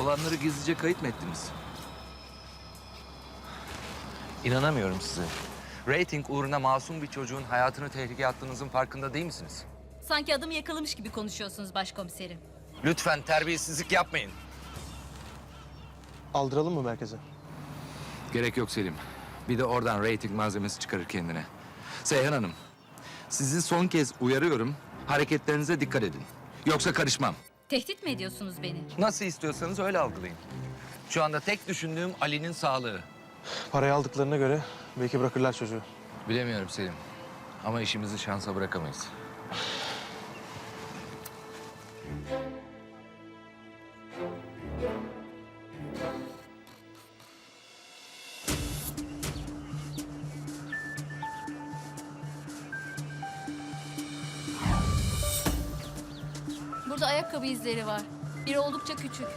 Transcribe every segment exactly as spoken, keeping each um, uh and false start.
Olanları gizlice kayıt mı ettiniz? İnanamıyorum size. Rating uğruna masum bir çocuğun hayatını tehlikeye attığınızın farkında değil misiniz? Sanki adamı yakalamış gibi konuşuyorsunuz başkomiserim. Lütfen terbiyesizlik yapmayın. Aldıralım mı merkeze? Gerek yok Selim. Bir de oradan rating malzemesi çıkarır kendine. Seyhan Hanım, sizi son kez uyarıyorum. Hareketlerinize dikkat edin. Yoksa karışmam. Tehdit mi ediyorsunuz beni? Nasıl istiyorsanız öyle algılayın. Şu anda tek düşündüğüm Ali'nin sağlığı. Parayı aldıklarına göre belki bırakırlar çocuğu. Bilemiyorum Selim. Ama işimizi şansa bırakamayız. Burada ayakkabı izleri var. Biri oldukça küçük.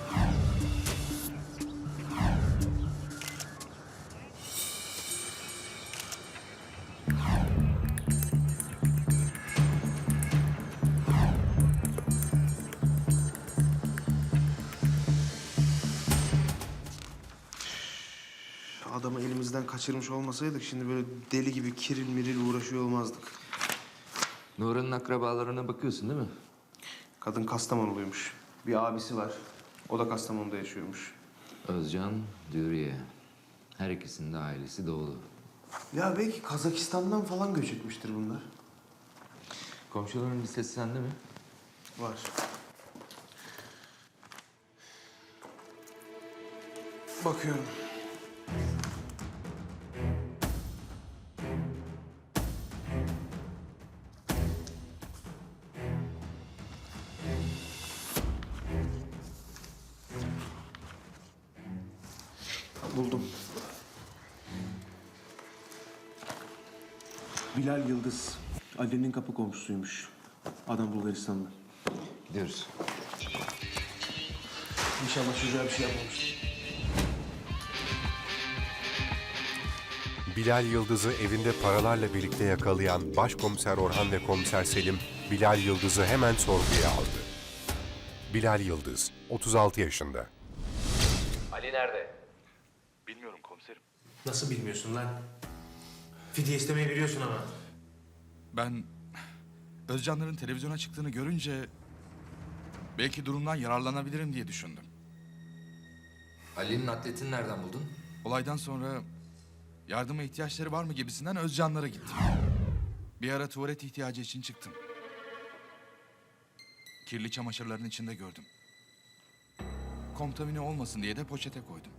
Adamı elimizden kaçırmış olmasaydık şimdi böyle deli gibi kiril miril uğraşıyor olmazdık. Nurhan'ın akrabalarına bakıyorsun değil mi? Kadın Kastamonuluymuş. Bir abisi var. O da Kastamonu'da yaşıyormuş. Özcan, Dürüye. Her ikisinin de ailesi doğulu. Ya belki Kazakistan'dan falan göç etmiştir bunlar. Komşuların listesi sende mi? Var. Bakıyorum. Buldum. Bilal Yıldız. Ali'nin kapı komşusuymuş. Adam Bulgaristan'da. Gidiyoruz. İnşallah çocuğa bir şey yapmamıştır. Bilal Yıldız'ı evinde paralarla birlikte yakalayan Başkomiser Orhan ve Komiser Selim, Bilal Yıldız'ı hemen sorguya aldı. Bilal Yıldız, otuz altı yaşında. Ali nerede? Bilmiyorum komiserim. Nasıl bilmiyorsun lan? Fidye istemeyi biliyorsun ama. Ben Özcanların televizyona çıktığını görünce belki durumdan yararlanabilirim diye düşündüm. Ali'nin atletini nereden buldun? Olaydan sonra yardıma ihtiyaçları var mı gibisinden Özcanlara gittim. Bir ara tuvalet ihtiyacı için çıktım. Kirli çamaşırların içinde gördüm. Kontamine olmasın diye de poşete koydum.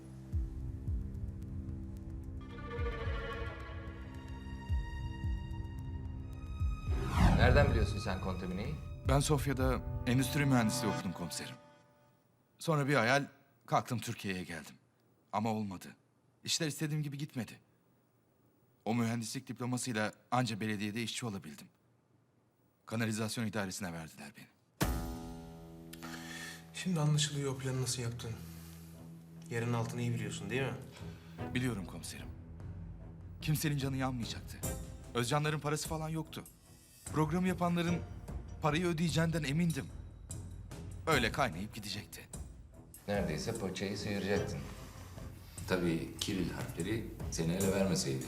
Nereden biliyorsun sen kontamineyi? Ben Sofya'da endüstri mühendisliği okudum komiserim. Sonra bir hayal kalktım Türkiye'ye geldim. Ama olmadı. İşler istediğim gibi gitmedi. O mühendislik diplomasıyla anca belediyede işçi olabildim. Kanalizasyon idaresine verdiler beni. Şimdi anlaşılıyor o planı nasıl yaptın. Yerin altını iyi biliyorsun değil mi? Biliyorum komiserim. Kimsenin canı yanmayacaktı. Özcanların parası falan yoktu. Programı yapanların parayı ödeyeceğinden emindim. Öyle kaynayıp gidecekti. Neredeyse poçayı sıyıracaktın. Tabii Kiril harfleri seni ele vermeseydi.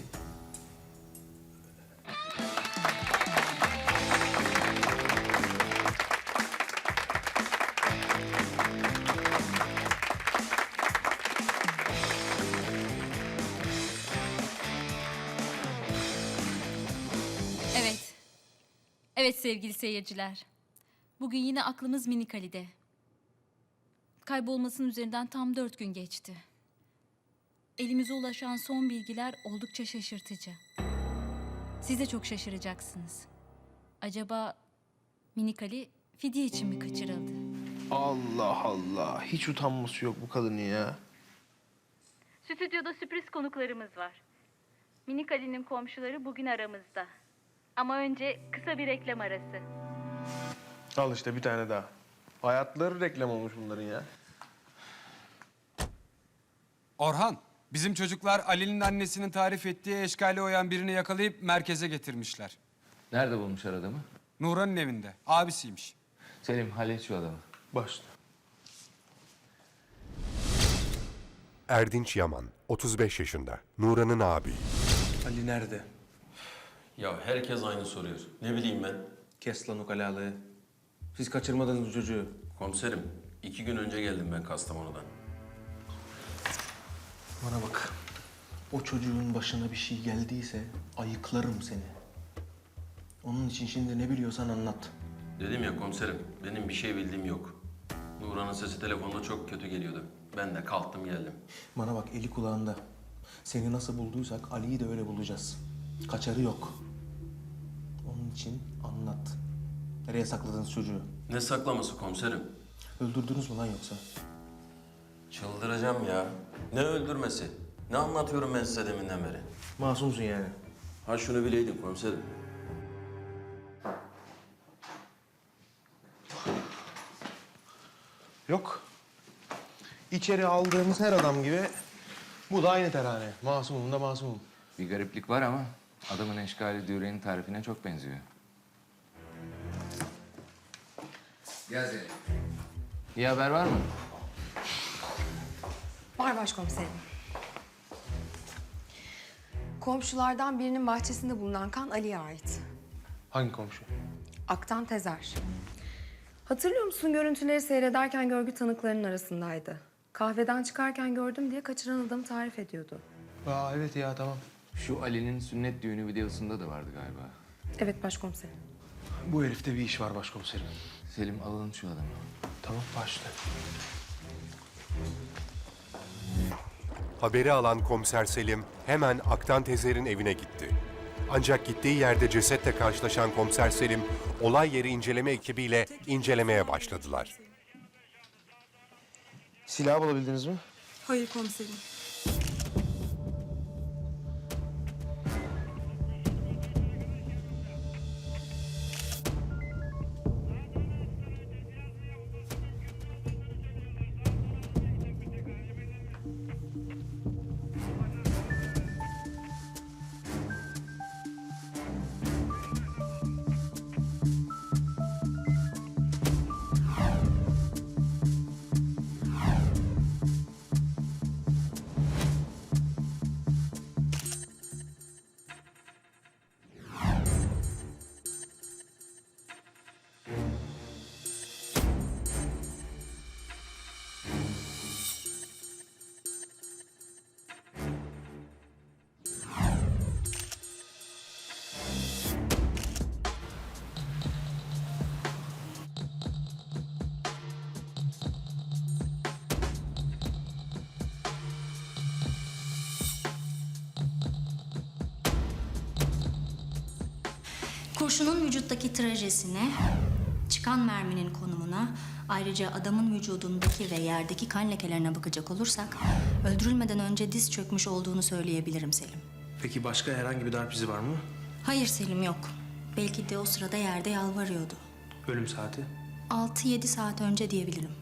Evet. Evet sevgili seyirciler. Bugün yine aklımız Minik Ali'de. Kaybolmasının üzerinden tam dört gün geçti. Elimize ulaşan son bilgiler oldukça şaşırtıcı. Siz de çok şaşıracaksınız. Acaba Minik Ali fidye için mi kaçırıldı? Allah Allah. Hiç utanması yok bu kadının ya. Stüdyoda sürpriz konuklarımız var. Minik Ali'nin komşuları bugün aramızda. Ama önce kısa bir reklam arası. Al işte bir tane daha. Hayatları reklam olmuş bunların ya. Orhan, bizim çocuklar Ali'nin annesinin tarif ettiği eşkali oyan birini yakalayıp merkeze getirmişler. Nerede bulmuşlar adamı? Nuran'ın evinde, abisiymiş. Selim hallet şu adamı. Başla. Erdinç Yaman, otuz beş yaşında, Nuran'ın abi. Ali nerede? Ya herkes aynı soruyor. Ne bileyim ben. Kes lan ukalalığı. Siz kaçırmadınız bu çocuğu. Komiserim, iki gün önce geldim ben Kastamonu'dan. Bana bak. O çocuğun başına bir şey geldiyse ayıklarım seni. Onun için şimdi ne biliyorsan anlat. Dedim ya komiserim, benim bir şey bildiğim yok. Nuran'ın sesi telefonda çok kötü geliyordu. Ben de kalktım geldim. Bana bak, eli kulağında. Seni nasıl bulduysak Ali'yi de öyle bulacağız. Kaçarı yok. Onun için anlat. Nereye sakladınız çocuğu? Ne saklaması komiserim? Öldürdünüz mü lan yoksa? Çıldıracağım ya. Ne öldürmesi? Ne anlatıyorum ben size deminden beri? Masumsun yani. Ha şunu bileydin komiserim. Yok. İçeri aldığımız her adam gibi bu da aynı terane. Masumum da masumum. Bir gariplik var ama adamın eşkali Düre'nin tarifine çok benziyor. Gel Zeynep. İyi haber var mı? Var başkomiserim. Komşulardan birinin bahçesinde bulunan kan Ali'ye ait. Hangi komşu? Aktan Tezer. Hatırlıyor musun, görüntüleri seyrederken görgü tanıklarının arasındaydı. Kahveden çıkarken gördüm diye kaçıran adamı tarif ediyordu. Aa evet ya, tamam. Şu Ali'nin sünnet düğünü videosunda da vardı galiba. Evet başkomiserim. Bu herifte bir iş var başkomiserim. Selim alın şu adamı. Tamam, başla. Haberi alan komiser Selim hemen Aktan Tezer'in evine gitti. Ancak gittiği yerde cesetle karşılaşan komiser Selim, olay yeri inceleme ekibiyle incelemeye başladılar. Silahı bulabildiniz mi? Hayır komiserim. Kurşunun vücuttaki trajesine, çıkan merminin konumuna, ayrıca adamın vücudundaki ve yerdeki kan lekelerine bakacak olursak, öldürülmeden önce diz çökmüş olduğunu söyleyebilirim Selim. Peki başka herhangi bir darp izi var mı? Hayır Selim, yok. Belki de o sırada yerde yalvarıyordu. Ölüm saati? Altı yedi saat önce diyebilirim.